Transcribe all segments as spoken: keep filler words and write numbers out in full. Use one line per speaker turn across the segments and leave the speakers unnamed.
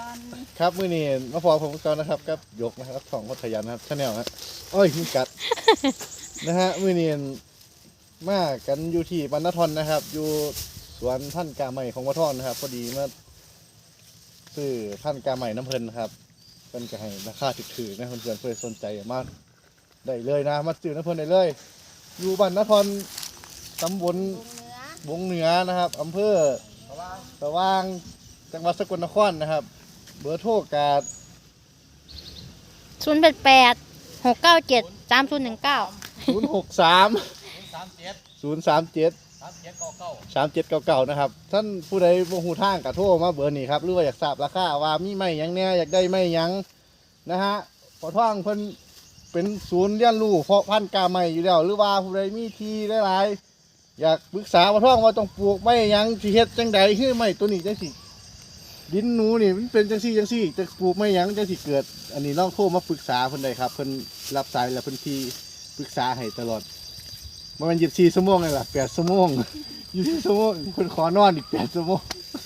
ครับมื้อนี้มาพอผมก่อนนะครับกับยกนะครับของพัทยานะครับชาแนลฮะโอ้ยมีกัด นะฮะมื้อนี้มากันอยู่ที่บรรณทอนนะครับ อยู่สวนพันธุ์กาใหม่ของวัดทอนนะครับพอดีมาซื้อพันธุ์กาใหม่น้ำเพลินนะครับเพิ่นก็ให้ราคาถูกๆนะเพื่อนๆเพื่อสนใจมาได้เลยนะมาซื้อน้ำเพลินได้เลย อยู่บรรณทอนตำบล
วงเนื้อ
วงเหนือนะครับอำเภอสว่างจังหวัดสกลนครนะครับเบอร์โทรการ
ศูนย์แปดแปดหกเก้าเจ็ดสามศูนย์หนึ่งเก้า
ศูนย์ หก สาม
สามเจ็ด
ศูนย์ สาม เจ็ด
สามเจ็ดเก้าเก้า
สาม เจ็ด เก้า เก้านะครับท่านผู้ใดบ่ฮู้ทางก็โทรมาเบอร์นี้ครับหรือว่าอยากทราบราคาว่ามีไม้หยังแหน่อยากได้ไม้หยังนะฮะพอท่องเพิ่นเป็นศูนย์เรียนรู้เพาะพันธุ์กาไม้อยู่แล้วหรือว่าผู้ใดมีที่หลายๆอยากปรึกษาพอท่องว่าต้องปลูกไม้หยังสิเฮ็ดจังใดคือไม้ตัวนี้จังสิดินหนูนี่มันเป็นจังซี่จังซี่จะปลูกไม้หยังจังสิเกิด อันนี้ลองโทรมาปรึกษาเพิ่นได้ครับเพิ่นรับสายแล้วเพิ่นที่ปรึกษาให้ตลอดบ่แม่นยี่สิบสี่ชั่วโมงเลยล่ะแปดชั่วโมง ยี่สิบชั่วโมงเพิ่นขอนอนอีกแปดชั่วโมง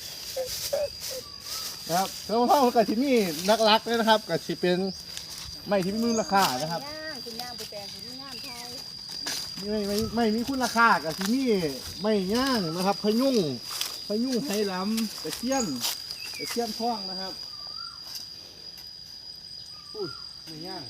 นะครับแล้วพ่อเพิ่นก็สิมีนักรักเลยนะครับก็สิเป็นไม้ที่มีมูลค่านะครับ
ย่างคุณย่างไปแปลงคุณย่างไทย
ไม่ไม่ไม่มีคุณค่าก็สิมีไม้ย่างนะครับพะยุงพะยุงไหหลำตะเคียนตะเคียนทองนะครับอุ้ยไม้ย่าง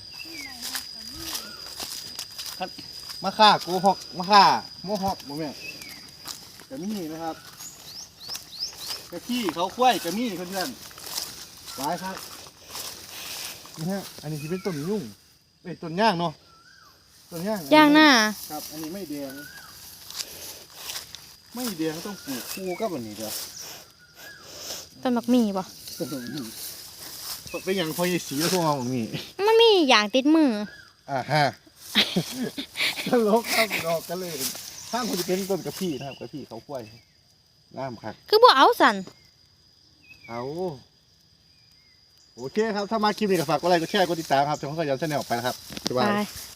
คัดมะข่าโกหอกมะข่าโมหอกบ่แม่นก็มีนะครับกะขี้เขาควายก็มีเพื่อนๆหลายครับนี่ฮะอันนี้ที่เป็นต้นยุ่งเอ้ยต้นย่างเนาะต้นย่าง
ย่างหน้า
ครับ อันนี้ไม่แดง ไม่แดงต้องปลูกคู่กับอันนี้เด้อ
ต้นมักมีป่ะ
ต้นนี้เป็นอย่างพอยายสีแล้วพวกเราของนี่
มันมีอย่างติดมือ
อ่าฮะ ตลกครับดอกกันเลยข้างคนจะเป็นต้นกระพี่นะครับกระพี่เขากล้วยงามครับ
คือบ่เอาสัน
เอาโอเคครับ ถ้ามาคลิปนี้ก็ฝากกดไลค์กดแชร์กดติดตามครับช่องขยันแชนแนลไปนะครับบ๊ายบาย
ไป